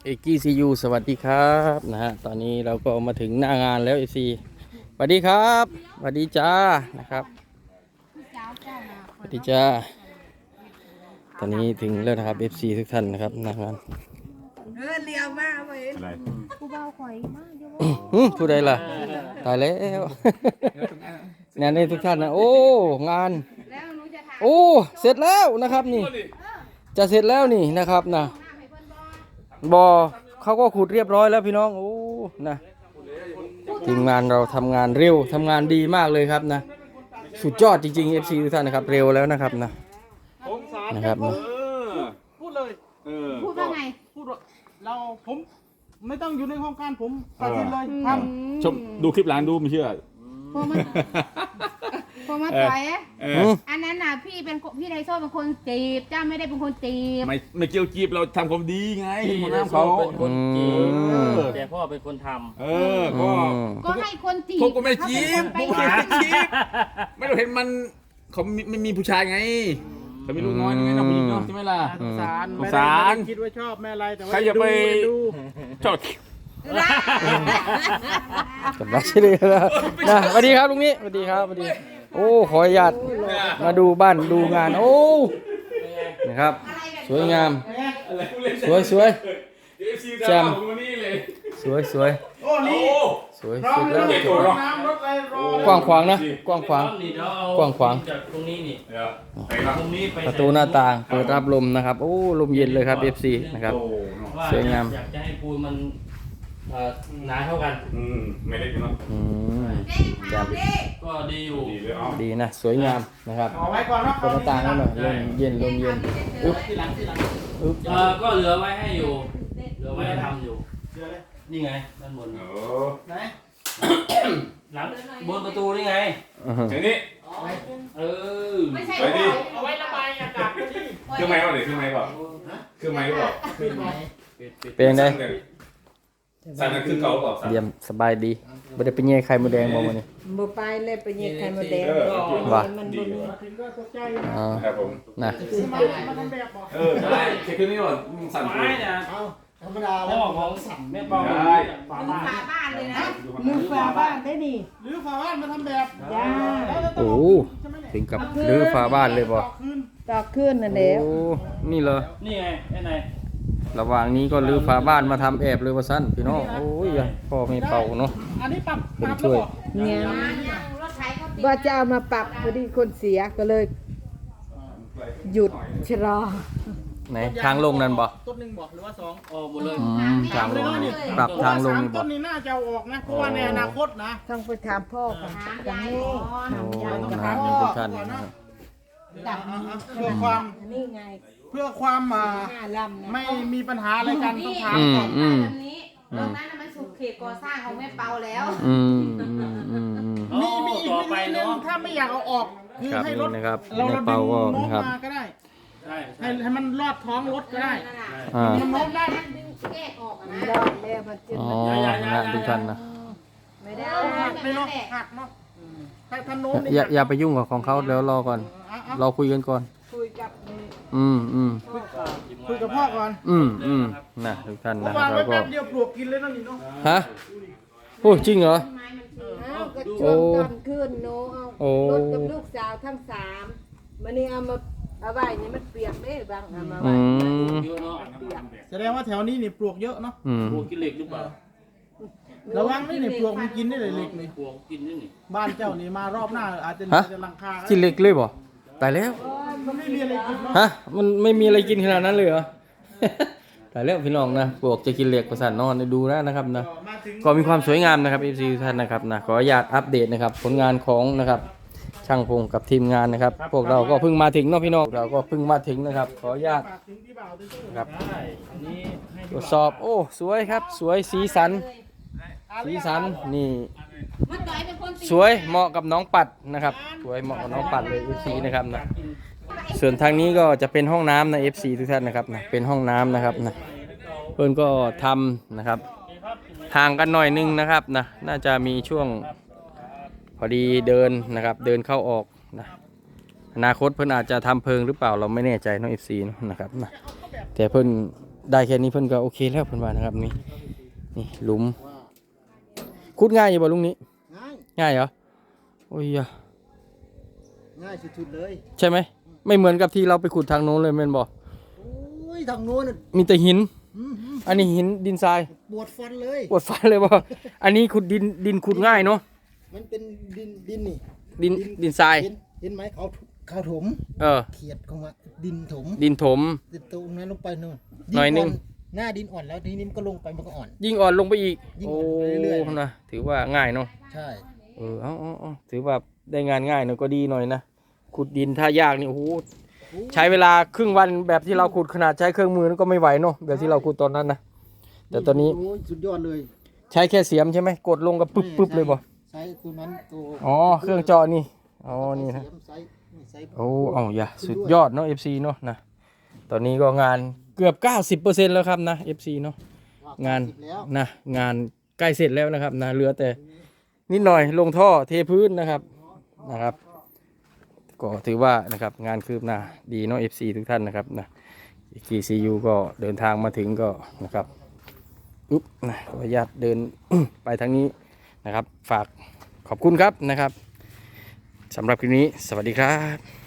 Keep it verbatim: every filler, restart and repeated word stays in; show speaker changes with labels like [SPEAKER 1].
[SPEAKER 1] เอกกี้ซียูสวัสดีครับนะฮะตอนนี้เราก็มาถึงหน้างานแล้วเอซีสวัสดีครับสวัสดีจ้านะครับสวัสดีจ้าตอนนี้ถึงแล้วนะครับเอฟซีทุกท่านนะครับหน้างาน
[SPEAKER 2] เออเลี้ยวมากเลย
[SPEAKER 3] อะไร
[SPEAKER 2] กูเบาข่อยมากเดี๋ยว
[SPEAKER 1] อืมผู้ใดล่ะตายแล้ว งานนี้ทุกท่านนะโอ้งาน
[SPEAKER 2] แล้วหนูจะถาม
[SPEAKER 1] โอ้เสร็จแล้วนะครับนี่จะเสร็จแล้วนี่นะครับนะบอเขาก็ขุดเรียบร้อยแล้วพี่น้องโอ้นะทีมงานเราทำงานเร็วทำงานดีมากเลยครับนะสุดยอดจริงๆ เอฟ ซี ทุกท่านนะครับเร็วแล้วนะครับนะนะครับนะ
[SPEAKER 3] พูดเลยเออ
[SPEAKER 2] พูดว่าไง
[SPEAKER 4] พูดว่าเราผมไม่ต้องอยู่ในห้องการผมตัดสินเลยท
[SPEAKER 3] ชมดูคลิปร้านดูไม่เชื่อ
[SPEAKER 2] พอมาพอมาต่อยอะ
[SPEAKER 3] เอ
[SPEAKER 1] อื
[SPEAKER 3] อ
[SPEAKER 1] ม
[SPEAKER 2] อันนั้นน่ะพี่เป็นพี่ไทโซ่เป็นคนจีบเจ้าไม่ได้เป็นคนจีบ
[SPEAKER 3] ไม่ไม่เกี่ยวจีบเราทำความดีไง
[SPEAKER 5] พี่
[SPEAKER 3] หัวห
[SPEAKER 5] นะ
[SPEAKER 3] น้า
[SPEAKER 5] เขา
[SPEAKER 3] เขา
[SPEAKER 5] เป็นคนจีบ
[SPEAKER 1] อืม
[SPEAKER 5] แต่พ่อเป็นคนท
[SPEAKER 3] เออก็
[SPEAKER 2] ก็ให้คนจีบ
[SPEAKER 3] ผมก็ไม่จีบ
[SPEAKER 2] เขา
[SPEAKER 3] ผม
[SPEAKER 2] เป็น
[SPEAKER 3] ก็
[SPEAKER 2] คนไป
[SPEAKER 3] ไม่จีบไม่เราเห็นมันเขาไม่ไม่มีผู้ชายไงเขามีลูกน้อยไงน้องผู้หญิงเนาะใช่ไหมล่ะ
[SPEAKER 4] ำสงสาร
[SPEAKER 3] สง
[SPEAKER 4] ไม่
[SPEAKER 3] สา
[SPEAKER 4] ได้
[SPEAKER 3] ร
[SPEAKER 4] ไม่ได้คิดว่าชอบแม่อะไรแต่ว่า
[SPEAKER 3] ใครจะไป
[SPEAKER 4] ดู
[SPEAKER 3] ชอบ
[SPEAKER 1] กับรักใช่เลยนะนะสวัสดีครับลุงนี้สวัสดีครับสวัสดีโอ้ขออนุญาตมาดูบ้านดูงานโอ้นะครับสวยงามสวยสวย แจ่ม สวยสวย
[SPEAKER 4] โอ้นี่
[SPEAKER 1] สวย
[SPEAKER 4] พร้อ
[SPEAKER 1] สุ
[SPEAKER 4] ม
[SPEAKER 1] ด
[SPEAKER 4] แล้
[SPEAKER 1] แล้ว ว
[SPEAKER 4] รถน้ำรถอะไรรอก
[SPEAKER 1] ว้างขวางนะกว้างขวาง
[SPEAKER 5] ำนี่เดี๋ยวเอา
[SPEAKER 1] กว้างขวาง
[SPEAKER 5] จากตรงนี้นี่
[SPEAKER 3] เดี๋ยวไปครับ
[SPEAKER 5] ตรงนี้ไป
[SPEAKER 1] ประตูหน้าต่างเปิดรับลมนะครับโอ้ลมเย็นเลยครับ เอฟ ซี นะครับ
[SPEAKER 3] โอ้เนาะ
[SPEAKER 5] ว่า
[SPEAKER 1] สวยงาม
[SPEAKER 5] อยากจะให้ปูนมันเอ่อหนาเท่ากัน
[SPEAKER 3] อืมไม่เล็กเนาะ
[SPEAKER 1] อืม
[SPEAKER 2] แจ้งข่าวดิ
[SPEAKER 5] ก็ดีอยู่
[SPEAKER 3] ดีเลยเอา
[SPEAKER 1] ดีนะสวยงามนะครับ
[SPEAKER 4] เอาไว้ก่อนเนาะ
[SPEAKER 1] เปิดหน้าต่างแล้วหน่อยลมเย็นลมเย็นอึ๊บ
[SPEAKER 4] ทีหลังทีหลัง
[SPEAKER 1] อึ๊บ
[SPEAKER 5] เออก็เหลือไว้ให้อยู่ เหลือไว้ให้ทำอยู่
[SPEAKER 4] เดี๋ยวเลย
[SPEAKER 5] นี่ไงด้านบน
[SPEAKER 3] โอ้
[SPEAKER 4] ไหน
[SPEAKER 5] หลังบนประตูนี่ไง
[SPEAKER 1] อื้อหือ
[SPEAKER 3] เดี๋ยวนี้
[SPEAKER 5] เออ
[SPEAKER 2] ไม่ใช่
[SPEAKER 3] ไปดิ
[SPEAKER 4] เอาไว้ระบายอากาศก็ดี
[SPEAKER 3] เครื่องไม้ก่อนเลยเครื่องไม้ก่อนเครื่องไม้ก่อน
[SPEAKER 4] ปิดไว้
[SPEAKER 5] ปิดปิด
[SPEAKER 1] เป็นไง
[SPEAKER 3] สั่นนั่นคือเก่าเปล่าสั่น
[SPEAKER 1] เยี่ยมสบายดีไม่ได้ไปแย่ไข่มดแดงมาวันนี้
[SPEAKER 6] บ่ไปเลยไปเหยียดไข่มดแดง
[SPEAKER 3] เออ
[SPEAKER 1] ว่ะ
[SPEAKER 6] มัน
[SPEAKER 3] ดี
[SPEAKER 6] บ่มี
[SPEAKER 3] ว่ะ
[SPEAKER 4] ถึงก็ตกใจอยู่นะ
[SPEAKER 1] อ๋อ
[SPEAKER 3] ครับผม
[SPEAKER 1] นะ
[SPEAKER 4] มามาทำแบบบอก
[SPEAKER 3] เออได้เช็คเครื่องนี้ก่อนสั่น
[SPEAKER 5] ไม้เนี่ย
[SPEAKER 4] เอาธรรมดา
[SPEAKER 5] พ่
[SPEAKER 4] แล้ว
[SPEAKER 5] อของแม่เปา
[SPEAKER 3] ได้
[SPEAKER 5] ฝา
[SPEAKER 2] มึง
[SPEAKER 5] บ้าน
[SPEAKER 2] ฝาบ้านเลยนะ
[SPEAKER 6] มือฝาบ้านได้นี่
[SPEAKER 4] หรือฝาบ้านมาทำแบบ
[SPEAKER 6] จ้า
[SPEAKER 4] แล้วจะต้อง
[SPEAKER 1] โอ้
[SPEAKER 4] ใช่ไหมเนี่ย
[SPEAKER 1] ถึงกับรื้อฝาบ้านเลยบ่
[SPEAKER 4] ต่อคืน
[SPEAKER 6] ต่อขึ้นนั่นแหละ
[SPEAKER 1] โอ้นี่เหรอ
[SPEAKER 5] นี่ไงไอ้ไหน
[SPEAKER 1] ระหว่างนี้ก็รื้อฝาบ้านมาทำแอบเลยว่าสั้นพี่น้องโอ้ยอย่าพ่อไม่เป่าเนาะ
[SPEAKER 4] อันนี้ปรับ
[SPEAKER 1] ผม
[SPEAKER 4] ปรับ
[SPEAKER 1] ช่วย
[SPEAKER 4] แล้วบอก
[SPEAKER 6] เนี่ย
[SPEAKER 2] มายังรถไถเขาติด
[SPEAKER 6] ว่าจะเอามาปรับพอดีคนเสียก็เลย หยุดชะลอ
[SPEAKER 1] ไหนทางลงนั่นบ่
[SPEAKER 4] ต้นหนึ่งบอกหรือว่าสอง
[SPEAKER 5] ออกหมดเลย
[SPEAKER 1] อืมทางลงนี่ปรับทางลง
[SPEAKER 4] สาม
[SPEAKER 1] นี่บ่
[SPEAKER 4] ต้นนี้น่าจะเอาออกนะเพราะว่าในอนาคตนะ
[SPEAKER 6] ต้องไปถามพ่อก่อน
[SPEAKER 2] ถาม
[SPEAKER 6] จัง
[SPEAKER 2] ยาย
[SPEAKER 6] นี้
[SPEAKER 2] ก่อน
[SPEAKER 1] โอ้
[SPEAKER 6] ยาย
[SPEAKER 1] นะ
[SPEAKER 6] กับ
[SPEAKER 1] ฮะ
[SPEAKER 6] พ่อ
[SPEAKER 1] นี่ทุกท่านนะครับ
[SPEAKER 2] ดับ
[SPEAKER 4] เอาเอาเพื่อความ
[SPEAKER 6] อันนี้ไง
[SPEAKER 4] เพื่อความอ่า
[SPEAKER 6] ห้าลำนะ
[SPEAKER 4] ไม่มีปัญหาอะไรกันต้องถาม
[SPEAKER 1] อืม
[SPEAKER 4] ก่อน
[SPEAKER 1] อืม
[SPEAKER 2] แบบนี้ตรงนั้นน่ะมันสุดเขตก่อสร้างของแม่เปาแล้ว
[SPEAKER 1] อืมอืมอืมอืม
[SPEAKER 4] มีมีอีก
[SPEAKER 5] ต่อ
[SPEAKER 4] วิ
[SPEAKER 5] ไป
[SPEAKER 4] ธีหนึง
[SPEAKER 5] เนาะ
[SPEAKER 4] ถ้าไม่อยากเอาออกคือ
[SPEAKER 1] ครับ
[SPEAKER 4] ให้รถ
[SPEAKER 1] นี่นะครับ
[SPEAKER 4] เรา
[SPEAKER 1] แม่
[SPEAKER 4] เราดึ
[SPEAKER 1] เปาง ก็
[SPEAKER 4] โน้ม
[SPEAKER 1] นะครับ
[SPEAKER 4] มาก็ได้
[SPEAKER 5] ใช่ใช่
[SPEAKER 4] ให้ให้มันลอดท้องรถก็ได้
[SPEAKER 2] นั่นน่ะ
[SPEAKER 1] อ่า
[SPEAKER 4] มันโน้มได้
[SPEAKER 2] นั่นดึงแยกออกอะนะ
[SPEAKER 6] รอดแล้วมันจะ
[SPEAKER 1] อ๋อนะฮะทุกท่านนะ
[SPEAKER 6] ไม่ได้
[SPEAKER 4] เอาหักเลยเนาะหักเนาะถ้าถ้าโน้มนี่
[SPEAKER 1] อย่าอย่าไปยุ่งกับของเขาเดี๋ยวรอก่อน
[SPEAKER 4] เอาเอา
[SPEAKER 1] เราคุยกันก่อน
[SPEAKER 6] คุยกับนี่
[SPEAKER 1] อืมอืม
[SPEAKER 4] คุยกับพ่อก่อน
[SPEAKER 1] อืมอืมนะทุกท่าน
[SPEAKER 4] เพ
[SPEAKER 1] นะ
[SPEAKER 4] ราะวาง
[SPEAKER 1] เรา
[SPEAKER 4] ไว้
[SPEAKER 1] ก็
[SPEAKER 4] แป๊บเดียวปลวกกินเลยเนาะนี่เนาะ
[SPEAKER 1] ฮะโอ้จริงเหรอ
[SPEAKER 2] ไม้มันคือ
[SPEAKER 6] อ้าวก็ช่วงตอนขึ้นโนเอา
[SPEAKER 1] โอ้
[SPEAKER 6] รถกับลูกสาวทั้งสามมันนี่เอามาเอาไว้นี่มันเปียกเด้บางเอามา
[SPEAKER 1] อื
[SPEAKER 6] ไว้
[SPEAKER 1] ม
[SPEAKER 5] เยอะเนาะ
[SPEAKER 6] เปียก
[SPEAKER 4] แสดงว่าแถวนี้นี่ปลวกเยอะเนาะ
[SPEAKER 1] อืม
[SPEAKER 5] ปลวกกินเหล็กหรือเปล่า
[SPEAKER 4] ระวังนี่นี่ปลวกมันกินได้เลยเล็กนี่
[SPEAKER 5] ปลวกกินนี่นี่
[SPEAKER 4] บ้านเจ้านี่มารอบหน้าอาจจะ
[SPEAKER 1] ฮะ
[SPEAKER 4] จะลังคา
[SPEAKER 1] กินเล็กเลยบ่ตายแล้ว
[SPEAKER 4] มันไม่มีอะไรกินเนาะ
[SPEAKER 1] ฮะมันไม่มีอะไรกินขนาดนั้นเลยเหรอ ตายแล้วพี่น้องนะปลวกจะกินเหล็กประสานนอนดูนะนะครับนะ
[SPEAKER 4] มาถึง
[SPEAKER 1] ก็มีความสวยงามนะครับ เอฟ ซี ทุกท่านนะครับนะขออนุญาตอัปเดตนะครับผลงานของนะครับช่างพงกับทีมงานนะครับ พวกเราก็เพิ่งมาถึงเนาะพี่น้องเราก็เพิ่งมาถึงนะครับ ขออนุญาต
[SPEAKER 4] ฝากถึงพี่บ่าวด้วย
[SPEAKER 1] ครับ
[SPEAKER 5] ได้อันนี้ให้
[SPEAKER 1] ตรวจสอบโอ้สวยครับ สวยสีสันสีสันนี่
[SPEAKER 2] มันต่อยเป็นคนติด
[SPEAKER 1] สวยเหมาะกับน้องปัดนะครับสวยเหมาะกับน้องปัดเลย เอฟ ซี นะครับนะส่วนทางนี้ก็จะเป็นห้องน้ำนะ เอฟ ซี ทุกท่านนะครับนะเป็นห้องน้ำนะครับนะเพื่อนก็ทำนะครับห่างกันหน่อยนึงนะครับนะน่าจะมีช่วงพอดีเดินนะครับเดินเข้าออกนะอนาคตเพื่อนอาจจะทำเพิงหรือเปล่าเราไม่แน่ใจน้อง เอฟ ซี นะครับนะแต่เพื่อนได้แค่นี้เพิ่นก็โอเคแล้วเพิ่นว่านะครับนี่นี่หลุมขุดง่ายอยู่บ่ลุงนี้
[SPEAKER 4] ง่าย
[SPEAKER 1] ง่ายเหรอโอ้ยอะ
[SPEAKER 4] ง่ายสุดๆเลย
[SPEAKER 1] ใช่ไหมไม่เหมือนกับที่เราไปขุดทางโน้นเลยแม่นบ่
[SPEAKER 4] โอ้ยทางโน้นน่ะ
[SPEAKER 1] มีแต่หิน
[SPEAKER 4] อื้อหือ
[SPEAKER 1] อันนี้หินดินทราย
[SPEAKER 4] ปวดฟันเลย
[SPEAKER 1] ปวดฟันเลยบ่อันนี้ขุดดินดินขุดง่ายเนาะ
[SPEAKER 4] มันเป็นดินดินนี่
[SPEAKER 1] ดินดินทราย
[SPEAKER 4] เห็นเห็นไหมเขาเขาถม
[SPEAKER 1] เออ
[SPEAKER 4] เขียดเข้ามาดินถม
[SPEAKER 1] ดินถม
[SPEAKER 4] ติดตรงนั้นลงไปนู่น
[SPEAKER 1] หน่อยนึง
[SPEAKER 4] หน้าดินอ่อนแล้วทีนี้มันก็ลงไปมันก็อ่อน
[SPEAKER 1] ยิ่งอ่อนลงไปอีก
[SPEAKER 4] ยิ่ง
[SPEAKER 1] โอ้
[SPEAKER 4] อ่อนไปเรื่อยๆ
[SPEAKER 1] นะถือว่าง่ายเนาะ
[SPEAKER 4] ใช่
[SPEAKER 1] เออเอาเอาเอาถือว่าได้งานง่ายหน่อยก็ดีหน่อยนะขุดดินถ้ายากนี่โอ้โหใช้เวลาครึ่งวันแบบที่เราขุดขนาดใช้เครื่องมือนั่นก็ไม่ไหวเนาะแบบที่เราขุดตอนนั้นนะแต่ตอนนี้
[SPEAKER 4] โอ้ยสุดยอดเลย
[SPEAKER 1] ใช้แค่เสียมใช่ไหมกดลงก็ปึ๊บปึ๊บเลยบ่
[SPEAKER 4] ใช้ตัวนั้นตัว
[SPEAKER 1] อ๋อเครื่องเจาะนี่อ๋อนี่นะ
[SPEAKER 4] เสียมใช้ใช้
[SPEAKER 1] โอ้เอาอย่าสุดยอดเนาะ เอฟ ซี เนาะนะตอนนี้ก็งานเกือบ เก้าสิบเปอร์เซ็นต์ แล้วครับนะ เอฟ ซี เนาะงาน
[SPEAKER 4] แล้ว
[SPEAKER 1] นะงานใกล้เสร็จแล้วนะครับนะเหลือแต่นิดหน่อยลงท่อเทพื้นนะครับนะครับก็ถือว่านะครับงานคืบหน้าดีเนาะ เอฟ ซี ทุกท่านนะครับนะ กี ซี ยู ก็เดินทางมาถึงก็นะครับอุ๊บนะขออนุญาตเดิน ไปทางนี้นะครับฝากขอบคุณครับนะครับสำหรับคลิปนี้สวัสดีครับ